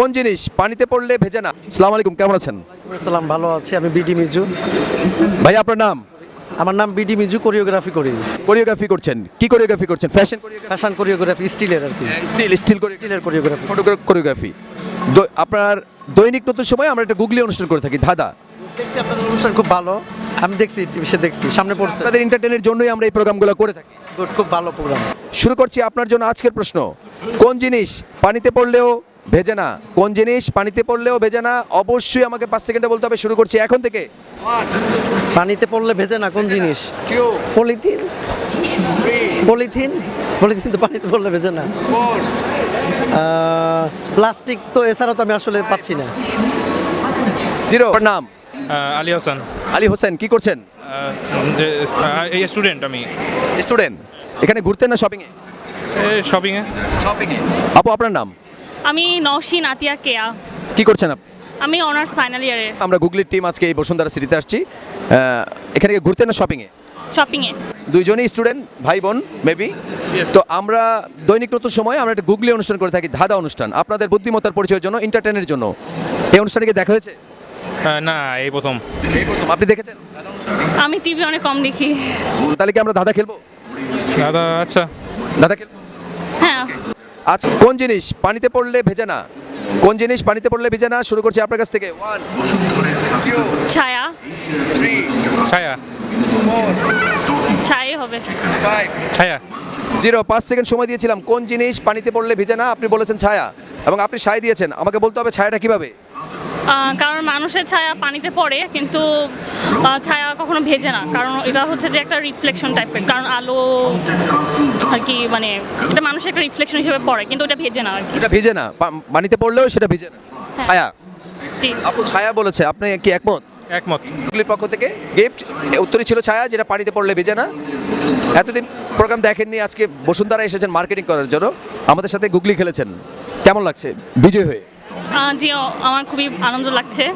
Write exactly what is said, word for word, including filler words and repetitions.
কোন জিনিস পানিতে পড়লে ভেজে না? আসসালামু আলাইকুম, কেমন আছেন? আসসালাম, ভালো আছি। আমি বিডি মিজু। ভাই আপনার নাম? আমার নাম বিডি মিজু, কোরিওগ্রাফি করি। কোরিওগ্রাফি করছেন? কি কোরিওগ্রাফি করছেন? Fashion choreography? ফ্যাশন কোরিওগ্রাফি, স্টিলের আর কি। স্টিল স্টিল স্টিলের কোরিওগ্রাফি। কোরিওগ্রাফি। আপনার দৈনিক নতুন সময় আমরা একটা গুগলি অনুষ্ঠান করে থাকি, ধাঁধা। দেখছি আপনাদের অনুষ্ঠান খুব ভালো, আমি দেখছি টিভিতে, দেখছি সামনে পড়ছে। আপনাদের এন্টারটেইনের জন্যই আমরা এই প্রোগ্রামগুলো করে থাকি। গুড, খুব ভালো প্রোগ্রাম। শুরু করছি আপনার জন্য আজকের প্রশ্ন। কোন জিনিস পানিতে পড়লেও ভেজে না? কোন জিনিস পানিতে পড়লেও ভেজে না? অবশ্যই আমাকে পাঁচ সেকেন্ডে বলতে হবে। শুরু করছি এখন থেকে। পানিতে পড়লে ভেজে না কোন জিনিস? পলিথিন। পলিথিন পলিথিন তো পানিতে পড়লে ভেজে না। প্লাস্টিক তো, এছাড়া তো আমি আসলে পাচ্ছি না। জিরো। নাম? আহ, আলী হাসান। আলী হোসেন। কি করছেন? এই স্টুডেন্ট আমি। স্টুডেন্ট। এখানে ঘুরতেন না শপিং এ? শপিংয়ে। শপিং এ। আপু আপনার নাম? আমি নওশিন আতিয়া কেয়া। কি করছেন আপনি? আমি অনার্স ফাইনাল ইয়ারে। আমরা গুগলির টিম আজকে এই বসুন্ধরা সিটিতে আসছি। আহ, এখানে কি ঘুরতেন না শপিং এ? শপিংয়ে। দুইজনই স্টুডেন্ট, ভাই বোন মেবি। তো আমরা দৈনিক নতুন সময় আমরা একটা গুগলি অনুষ্ঠান করে থাকি, ধাঁধা অনুষ্ঠান, আপনাদের বুদ্ধিমত্তার পরিচয়ের জন্য, এন্টারটেইনের জন্য। এই অনুষ্ঠানে কি দেখা হয়েছে? আহ, না, এই প্রথম। এই প্রথম। আপনি দেখেছেন? আমি টিভি অনেক কম দেখি। তাহলে কি আমরা ধাঁধা খেলবো? দাদা আচ্ছা। ধাঁধা খেলবো। হ্যাঁ। আচ্ছা, কোন জিনিস পানিতে পড়লে ভেজে না? কোন জিনিস পানিতে পড়লে ভেজে না? শুরু করছি আপনার কাছ থেকে। ওয়ান, টু, ছায়া। থ্রি, ছায়া। ফোর, ছায়াই হবে। ফাইভ, ছায়া। জিরো। পাঁচ সেকেন্ড সময় দিয়েছিলাম। কোন জিনিস পানিতে পড়লে ভিজে না? আপনি বলেছেন ছায়া, এবং আপনি সায় দিয়েছেন। আমাকে বলতে হবে ছায়াটা কিভাবে। আহ, কারণ মানুষের ছায়া পানিতে পড়ে, কিন্তু আহ, ছায়া কখনো ভেজে না, কারণ এটা হচ্ছে যে একটা রিফ্লেকশন টাইপের, কারণ আলো আর কি, মানে এটা মানুষের একটা রিফ্লেকশন হিসেবে পড়ে, কিন্তু ওটা ভেজে না আর কি। এটা ভিজে না, পা- পানিতে পড়লেও সেটা ভিজে না। হ্যাঁ। ছায়া। জি। আপু ছায়া বলেছে, আপনি কি একমত? একমত। গুগলির পক্ষ থেকে গিফট। উত্তরই ছিল ছায়া, যেটা পানিতে পড়লে ভিজে না। এতদিন প্রোগ্রাম দেখেননি, আজকে বসুন্ধরা এসেছেন মার্কেটিং করার জন্য, আমাদের সাথে গুগলি খেলেছেন। কেমন লাগছে বিজয় হয়ে? আহ, জি, আমার খুবই আনন্দ লাগছে।